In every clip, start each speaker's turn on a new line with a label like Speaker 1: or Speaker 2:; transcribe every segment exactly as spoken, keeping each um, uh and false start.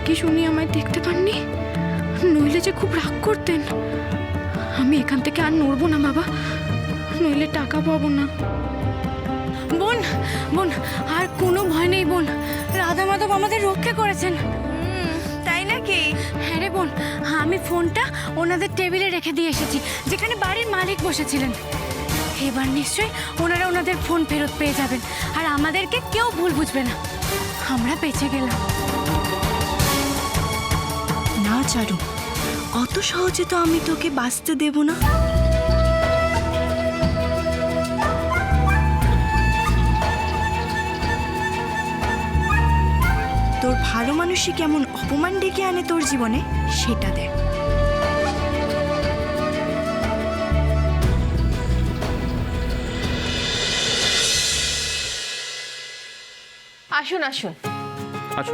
Speaker 1: কি শুনি আমায় দেখতে পাননি? নইলে যে খুব রাগ করতেন। আমি এখান থেকে আর নড়বো না বাবা, নইলে টাকা পাবো না। বোন বোন, আর কোনো ভয় নেই বোন, রাধা মাধব আমাদের রক্ষা করেছেন।
Speaker 2: তাই নাকি?
Speaker 1: হ্যাঁ রে বোন, আমি ফোনটা ওনাদের টেবিলে রেখে দিয়ে এসেছি, যেখানে বাড়ির মালিক বসেছিলেন। এবার নিশ্চয়ই ওনারা ওনাদের ফোন ফেরত পেয়ে যাবেন, আর আমাদেরকে কেউ ভুল বুঝবে না। আমরা বেঁচে গেলাম।
Speaker 2: না চারু, অত সহজে তো আমি তোকে বাঁচতে দেব না। তোর ভালো মানুষই কেমন অপমান ডেকে আনে তোর জীবনে, সেটা দেখ।
Speaker 3: আসুন আসুন
Speaker 4: আসুন।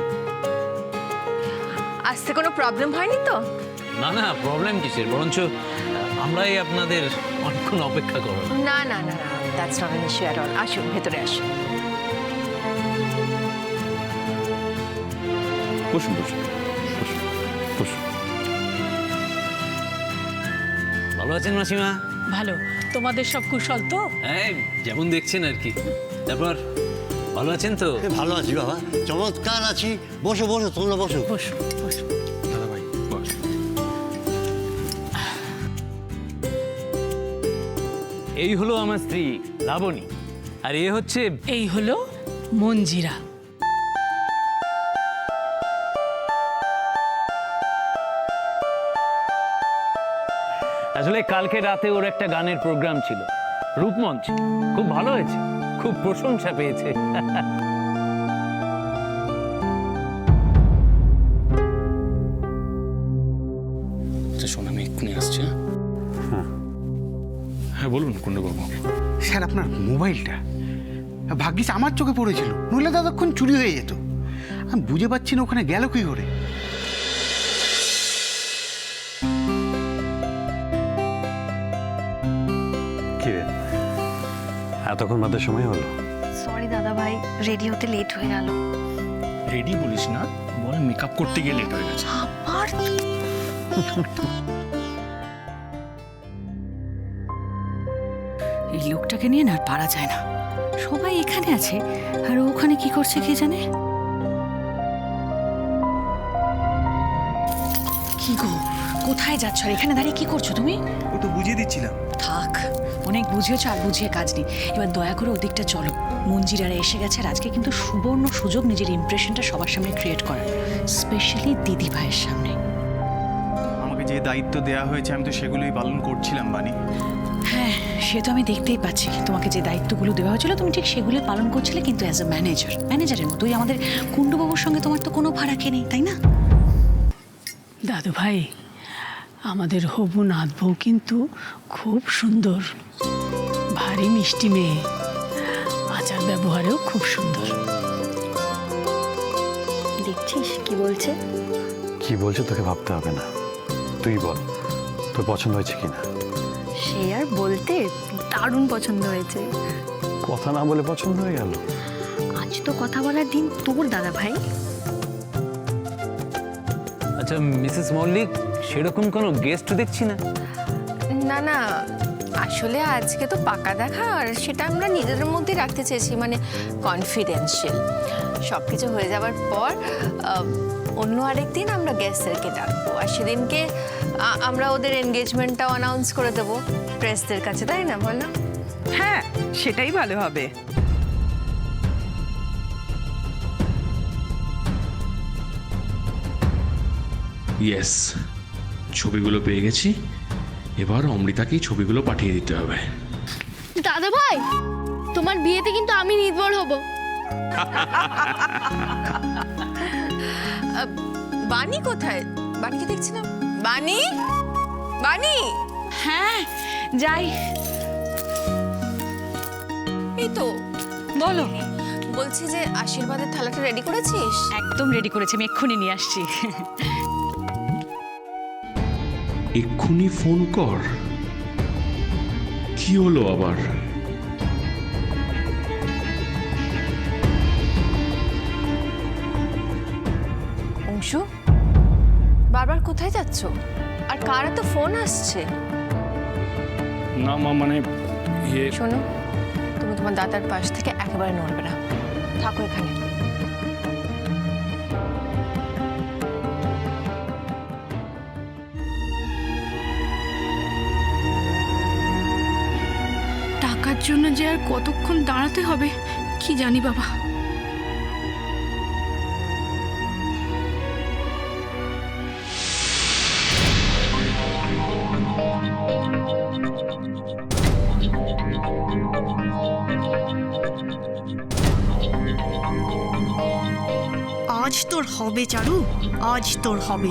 Speaker 3: আসতে কোনো প্রবলেম হয়নি তো?
Speaker 4: না না, প্রবলেম কিসের, বরঞ্চ আমরাই আপনাদের অনেকক্ষণ অপেক্ষা করব।
Speaker 3: না না না না, that's not an issue at all. আসুন, ভেতরে আসুন।
Speaker 4: বসুন বসুন বসুন বসুন। ভালো আছেন মাসিমা?
Speaker 5: ভালো। তোমাদের সব কুশল তো?
Speaker 4: হ্যাঁ, যেমন দেখছেন আর কি। তারপর ভালো আছেন তো?
Speaker 6: ভালো আছি বাবা, চমৎকার আছি। বসো বসো, তোমরা বসো।
Speaker 5: বসো বসো।
Speaker 4: দাদা ভাই বস। এই হলো আমার স্ত্রী লাবণী, আর এ হচ্ছে
Speaker 5: এই হলো মঞ্জিরা।
Speaker 4: আসলে কালকে রাতে ওর একটা গানের প্রোগ্রাম ছিল, রূপমঞ্চ। খুব ভালো হয়েছে, খুব প্রশংসা পেয়েছে। আচ্ছা শোন, আমি এক্ষুনি আসছি। হ্যাঁ হ্যাঁ বলুন কুণ্ডবাবু।
Speaker 7: স্যার, আপনার মোবাইলটা ভাগ্যিস আমার চোখে পড়েছিল, নইলে ততক্ষণ চুরি হয়ে যেত। আমি বুঝে পাচ্ছি না ওখানে গেল কি করে।
Speaker 8: কি রে, এতক্ষণ বাদের সময় হলো?
Speaker 2: সরি দাদা ভাই, রেডি হতে লেট হয়ে গেল।
Speaker 9: রেডি বলিস না, বল মেকআপ করতে গিয়ে লেট হয়ে গেছে।
Speaker 2: আবার
Speaker 5: এই লোকটাকে নিয়ে না আর পারা যায় না। সবাই এখানে আছে আর ও ওখানে কি করছে কে জানে। কি গো, কোথায় যাচ্ছ? আর এখানে দাঁড়িয়ে কি করছো তুমি?
Speaker 9: ও তো বুঝিয়ে দিচ্ছিলাম।
Speaker 5: থাক, অনেক বুঝিয়েছো, আর বুঝিয়ে কাজ নেই। এবার দয়া করে ওদিকটা চলো। মঞ্জিরারা এসে গেছে, আর আজকে কিন্তু সুবর্ণ সুযোগ নিজের ইমপ্রেশনটা সবার সামনে ক্রিয়েট করার, স্পেশালি দিদি ভাইয়ের সামনে।
Speaker 9: আমাকে যে দায়িত্ব দেওয়া হয়েছে আমি তো সেগুলোই পালন করছিলাম বানি।
Speaker 5: হ্যাঁ, সে তো আমি দেখতেই পাচ্ছি। তোমাকে যে দায়িত্বগুলো দেওয়া হয়েছিল তুমি ঠিক সেগুলো পালন করছিলে, কিন্তু অ্যাজ এ ম্যানেজার ম্যানেজারের মতোই। আমাদের কুণ্ডুবাবুর সঙ্গে তোমার তো কোনো ফারাকই নেই, তাই না? দাদু ভাই, আমাদের হবু নাথ বউ কিন্তু খুব সুন্দর, ভারী মিষ্টি মেয়ে, আচার ব্যবহারেও খুব সুন্দর।
Speaker 2: দেখছিস কি বলছে?
Speaker 8: কি বলছে তোকে ভাবতে হবে না, তুই বল তোর পছন্দ হয়েছে কিনা।
Speaker 2: সে আর বলতে, দারুণ পছন্দ হয়েছে।
Speaker 8: কথা না বলে পছন্দ হয়ে গেল?
Speaker 2: আজ তো কথা বলার দিন তোর দাদা ভাই।
Speaker 4: আচ্ছা মিসেস মল্লিক, সেরকম কোনো গেস্ট দেখছি না।
Speaker 3: না না, আসলে আজকে তো পাকা দেখা, আর সেটা আমরা নিজেদের মধ্যে রাখতে চেয়েছি, মানে কনফিডেন্সিয়াল। সব কিছু হয়ে যাওয়ার পর অন্য আরেকদিন আমরা গেস্টদেরকে ডাকবো, আর সেদিনকে আ- আমরা ওদের এনগেজমেন্টটাও অ্যানাউন্স করে দেবো প্রেসদের কাছে, তাই না বলো?
Speaker 10: হ্যাঁ, সেটাই ভালো হবে।
Speaker 11: ইয়েস, ছবিগুলো পেয়ে গেছি। এবার অমৃতাকেই ছবিগুলো পাঠিয়ে দিতে হবে।
Speaker 1: দাদা ভাই, তোমার বিয়েতে কিন্তু আমি নির্ভর হব।
Speaker 3: বানি কোথায়? বানিকে দেখছিলাম। বানি, বানি।
Speaker 5: হ্যাঁ, যাই।
Speaker 3: এই তো।
Speaker 5: বলো।
Speaker 3: বলছি যে আশীর্বাদের থালাটা রেডি করেছিস?
Speaker 5: একদম রেডি করেছি, আমি এক্ষুনি নিয়ে আসছি।
Speaker 11: এক্ষুনি ফোন কর। কি হলো আবার?
Speaker 3: অংশু, বারবার কোথায় যাচ্ছ? আর কার তো ফোন আসছে?
Speaker 4: না মা, মানে ইয়ে
Speaker 3: শোনো, তুমি তোমার দাদার পাশ থেকে একেবারে নড়বে না, থাকো এখানে।
Speaker 1: টাকার জন্য যে আর কতক্ষণ দাঁড়াতে হবে কি জানি বাবা।
Speaker 2: আজ তোর হবে চারু, আজ তোর হবে।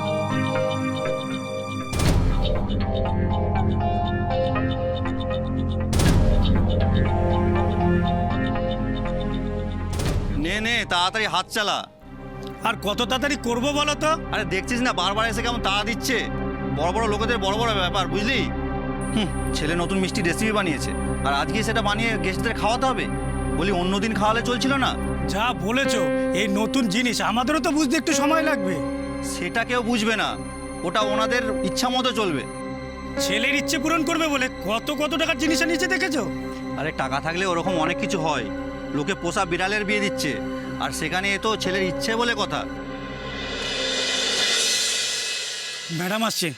Speaker 6: নে নে তাড়াতাড়ি হাত চালা।
Speaker 9: আর কত তাড়াতাড়ি করবো বলো তো?
Speaker 6: আরে দেখছিস না বারবার এসে কেমন তাড়া দিচ্ছে। বড় বড় লোকেদের বড় বড় ব্যাপার, বুঝলি? হুম, ছেলে নতুন মিষ্টি রেসিপি বানিয়েছে, আর আজকে সেটা বানিয়ে গেস্টদের খাওয়াতে হবে। বলি অন্যদিন খাওয়ালে চলছিল না?
Speaker 9: যা বলেছো, এই নতুন জিনিস আমাদেরও তো বুঝতে একটু সময় লাগবে।
Speaker 6: সেটা কেউ বুঝবে না, ওটা ওনাদের ইচ্ছা মতো চলবে।
Speaker 9: ছেলের ইচ্ছে পূরণ করবে বলে কত কত টাকার জিনিস নিচে দেখেছো?
Speaker 6: আরে টাকা থাকলে ওরকম অনেক কিছু হয়। লোকে পোষা বিড়ালের বিয়ে দিচ্ছে, আর সেখানে এ তো ছেলের ইচ্ছে বলে কথা।
Speaker 9: ম্যাডাম আসছে।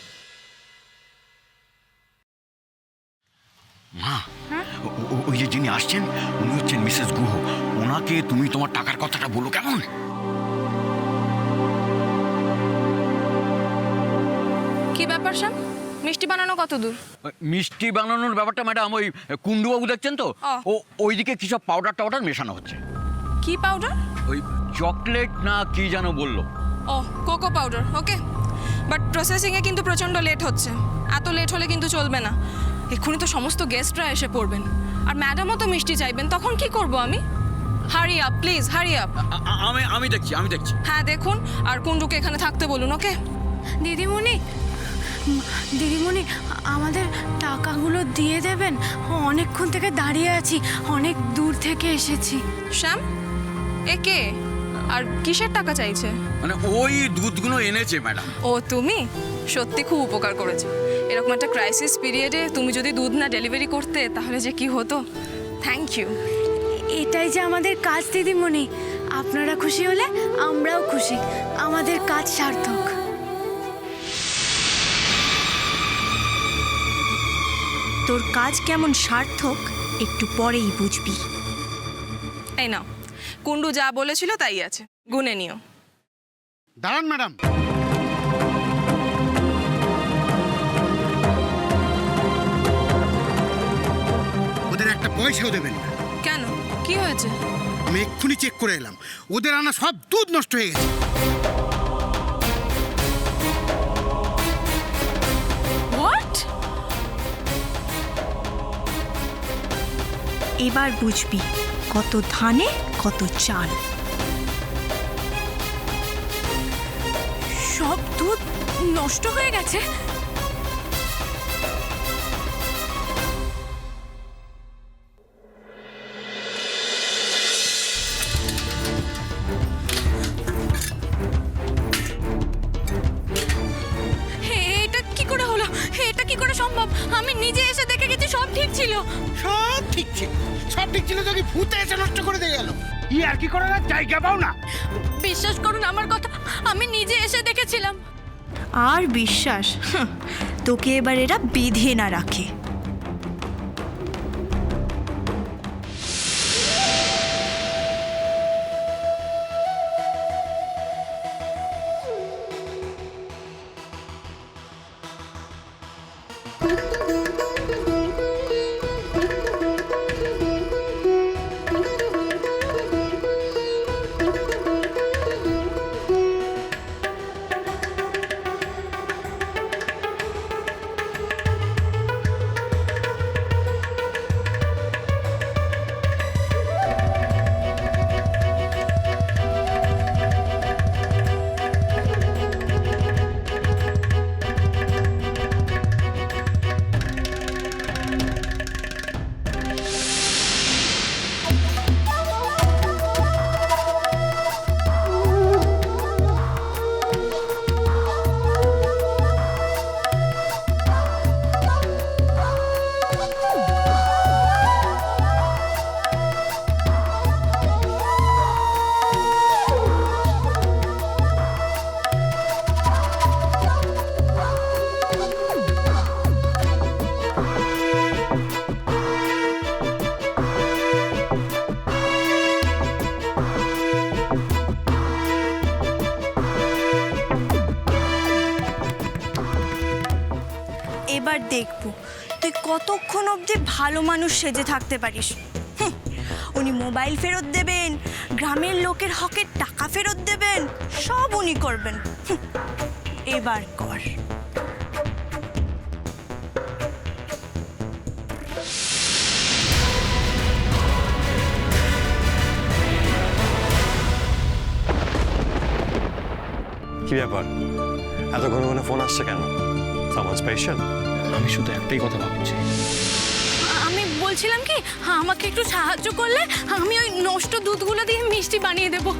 Speaker 7: মা, ও- ও- ওই যে যিনি আসছেন উনি হচ্ছেন মিসেস গুহ। ওনাকে তুমি তোমার টাকার কথাটা বলো কেমন?
Speaker 1: কি ব্যাপার শ্যাম, মিষ্টি বানানো কত দূর?
Speaker 12: মিষ্টি বানানোর ব্যাপারটা ম্যাডাম ওই কুণ্ডুবাবু দেখছেন তো,
Speaker 1: ও।
Speaker 12: ও ওইদিকে কি সব পাউডার টাউডার মেশানো হচ্ছে।
Speaker 1: কি পাউডার?
Speaker 12: ওই চকলেট না কি যেন বললো।
Speaker 13: ও কোকো পাউডার, ওকে। বাট প্রসেসিংয়ে কিন্তু প্রচণ্ড লেট হচ্ছে। এত লেট হলে কিন্তু চলবে না। এক্ষুনি তো সমস্ত গেস্টরা এসে পড়বেন, আর ম্যাডামও তো মিষ্টি চাইবেন, তখন কি করব আমি? Hurry up please, hurry up.
Speaker 12: আ- আ- আমি আমি দেখছি আমি দেখছি
Speaker 13: হ্যাঁ দেখুন, আর কুণ্ডুকে এখানে থাকতে বলুন, ওকে?
Speaker 1: দিদিমণি, দিদিমণি আমাদের টাকাগুলো দিয়ে দেবেন। অনেকক্ষণ থেকে দাঁড়িয়ে আছি, অনেক দূর থেকে এসেছি।
Speaker 13: শ্যাম, এ কে? আর কিসের টাকা চাইছে?
Speaker 12: মানে ওই দুধগুলো এনেছে ম্যাডাম।
Speaker 13: ও তুমি সত্যি খুব উপকার করেছো। এরকম একটা ক্রাইসিস পিরিয়ডে তুমি যদি দুধ না ডেলিভারি করতে তাহলে যে কি হতো। Thank you.
Speaker 1: এটাই যে আমাদের কাজ দিদিমণি, আপনারা খুশি হলে আমরাও খুশি, আমাদের কাজ সার্থক।
Speaker 2: তোর কাজ কেমন সার্থক একটু পরেই বুঝবি।
Speaker 13: এই নাও, কুণ্ডু যা বলেছিল তাই আছে, গুনে নিও।
Speaker 7: দাঁড়ান ম্যাডাম, ওদের একটা পয়সাও দেবেন না।
Speaker 13: কেন, কি হয়েছে?
Speaker 7: আমি এক্ষুনি চেক করে এলাম, ওদের আনা সব দুধ নষ্ট হয়ে গেছে।
Speaker 13: হোয়াট?
Speaker 2: এবার বুঝবি কত ধানে কত চাল।
Speaker 1: সব দুধ নষ্ট হয়ে গেছে? এটা কি করে হলো? এটা কি করে সম্ভব? আমি নিজে এসে দেখে গেছি সব ঠিক ছিল।
Speaker 7: সব ঠিক ছিল, সব ঠিক ছিল তো কি ভূতে এসে নষ্ট করে দিয়ে গেল? ই আর কি করার আর জায়গা পাও না?
Speaker 1: বিশ্বাস করুন আমার কথা, আমি নিজে এসে দেখেছিলাম।
Speaker 2: আর বিশ্বাস? হাহ, তোকে এবার এরা বেঁধে না রাখে। কতক্ষণ অবধি ভালো মানুষ সেজে থাকতে পারিস? হুঁ, উনি মোবাইল ফেরত দেবেন, গ্রামের লোকের হকের টাকা ফেরত দেবেন, সব উনি করবেন। হুঁ, এবার কর।
Speaker 8: কি ব্যাপার, এত ঘন ঘন ফোন আসছে কেন? Someone special?
Speaker 9: আমি শুধু একটাই কথা ভাবছি।
Speaker 1: আমি বলছিলাম কি, আমাকে একটু সাহায্য করলে আমি ওই নষ্ট দুধগুলো দিয়ে মিষ্টি বানিয়ে দেবো।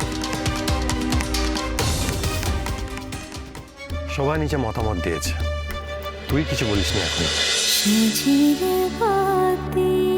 Speaker 8: সবাই নিচে মতামত দিয়েছে, তুই কিছু বলিসনি এখন।
Speaker 1: বাতি